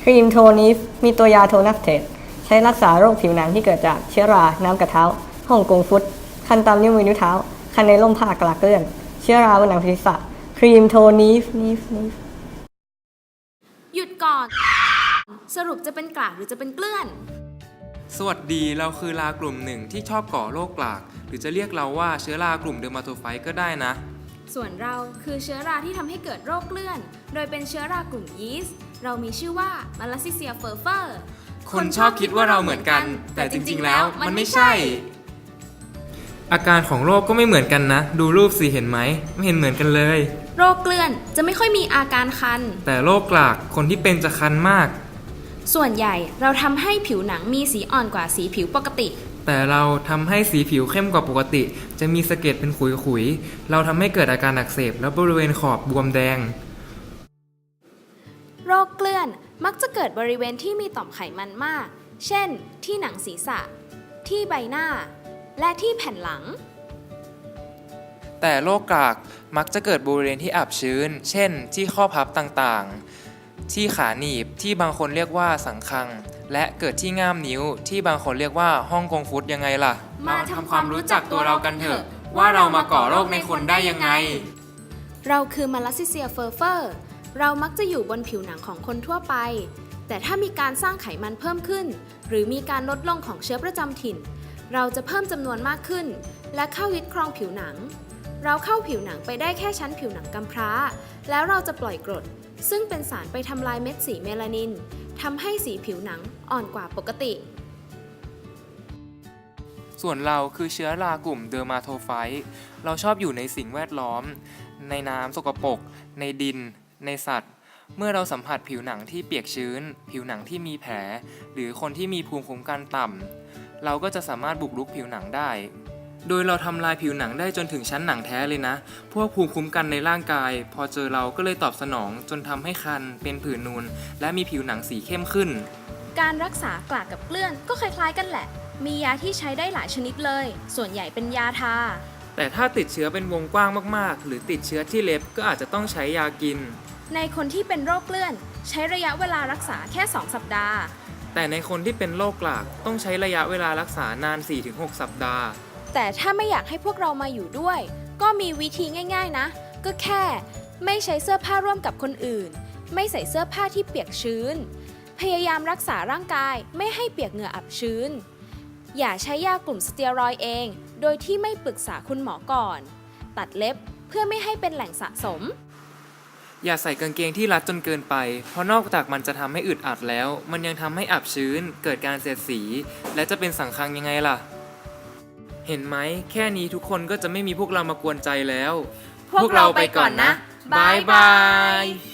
ครีมโทนิฟมีตัวยาโทนัสเทสใช้รักษาโรคผิวหนังที่เกิดจากเชื้อราน้ำกัดเท้าฮ่องกงฟุตคันตามนิ้วมือนิ้วเท้าคันในร่มผ้ากลากเกลื่อนเชื้อราบนหนังศีรษะครีมโทนิฟหยุดก่อน สรุปจะเป็นกลากหรือจะเป็นเกลื่อนสวัสดีเราคือรากลุ่มหนึ่งที่ชอบก่อโรคกลากหรือจะเรียกเราว่าเชื้อรากลุ่มเดอร์มาโทไฟต์ก็ได้นะส่วนเราคือเชื้อราที่ทำให้เกิดโรคเกลื่อนโดยเป็นเชื้อรากลุ่มยีสต์เรามีชื่อว่ามาลาซิเซียเฟอร์เฟอร์คนชอบคิดว่าเราเหมือนกันแต่จริงๆแล้วมันไม่ใช่ อาการของโรคก็ไม่เหมือนกันนะดูรูปสิเห็นไหมไม่เห็นเหมือนกันเลยโรคเกลื่อนจะไม่ค่อยมีอาการคันแต่โรคกลากคนที่เป็นจะคันมากส่วนใหญ่เราทำให้ผิวหนังมีสีอ่อนกว่าสีผิวปกติแต่เราทำให้สีผิวเข้มกว่าปกติจะมีสะเก็ดเป็นขุยๆเราทำให้เกิดอาการอักเสบและบริเวณขอบบวมแดงโรคเกลื่อนมักจะเกิดบริเวณที่มีต่อมไขมันมากเช่นที่หนังศีรษะที่ใบหน้าและที่แผ่นหลังแต่โรคกลากมักจะเกิดบริเวณที่อับชื้นเช่นที่ข้อพับต่างๆที่ขาหนีบที่บางคนเรียกว่าสังคังและเกิดที่ง่ามนิ้วที่บางคนเรียกว่าฮ่องกงฟุตยังไงล่ะมาทำความรู้จักตัวเรากันเถอะว่าเรามาก่อโรคในคนได้ยังไงเราคือมาลาซิเซียเฟอร์เฟอร์เรามักจะอยู่บนผิวหนังของคนทั่วไปแต่ถ้ามีการสร้างไขมันเพิ่มขึ้นหรือมีการลดลงของเชื้อประจำถิ่นเราจะเพิ่มจำนวนมากขึ้นและเข้ายึดครองผิวหนังเราเข้าผิวหนังไปได้แค่ชั้นผิวหนังกำพร้าแล้วเราจะปล่อยกรดซึ่งเป็นสารไปทำลายเม็ดสีเมลานินทำให้สีผิวหนังอ่อนกว่าปกติส่วนเราคือเชื้อรากลุ่มเดอร์มาโทไฟต์เราชอบอยู่ในสิ่งแวดล้อมในน้ำสกปรกในดินในสัตว์เมื่อเราสัมผัสผิวหนังที่เปียกชื้นผิวหนังที่มีแผลหรือคนที่มีภูมิคุ้มกันต่ำเราก็จะสามารถบุกรุกผิวหนังได้โดยเราทำลายผิวหนังได้จนถึงชั้นหนังแท้เลยนะพวกภูมิคุ้มกันในร่างกายพอเจอเราก็เลยตอบสนองจนทำให้คันเป็นผื่นนูนและมีผิวหนังสีเข้มขึ้นการรักษากลากกับเกลื่อนก็คล้ายๆกันแหละมียาที่ใช้ได้หลายชนิดเลยส่วนใหญ่เป็นยาทาแต่ถ้าติดเชื้อเป็นวงกว้างมากๆหรือติดเชื้อที่เล็บก็อาจจะต้องใช้ยากินในคนที่เป็นโรคเกลื่อนใช้ระยะเวลารักษาแค่2 สัปดาห์แต่ในคนที่เป็นโรคกลากต้องใช้ระยะเวลารักษานาน 4-6 สัปดาห์แต่ถ้าไม่อยากให้พวกเรามาอยู่ด้วยก็มีวิธีง่ายๆนะก็แค่ไม่ใช้เสื้อผ้าร่วมกับคนอื่นไม่ใส่เสื้อผ้าที่เปียกชื้นพยายามรักษาร่างกายไม่ให้เปียกเหงื่ออับชื้นอย่าใช้ยากลุ่มสเตียรอยด์เองโดยที่ไม่ปรึกษาคุณหมอก่อนตัดเล็บเพื่อไม่ให้เป็นแหล่งสะสมอย่าใส่กางเกงที่รัดจนเกินไปเพราะนอกจากมันจะทำให้อึดอัดแล้วมันยังทำให้อับชื้นเกิดการเสียดสีและจะเป็นสังคังยังไงล่ะเห็นไหมแค่นี้ทุกคนก็จะไม่มีพวกเรามากวนใจแล้วพวกเราไปก่อนนะบายบาย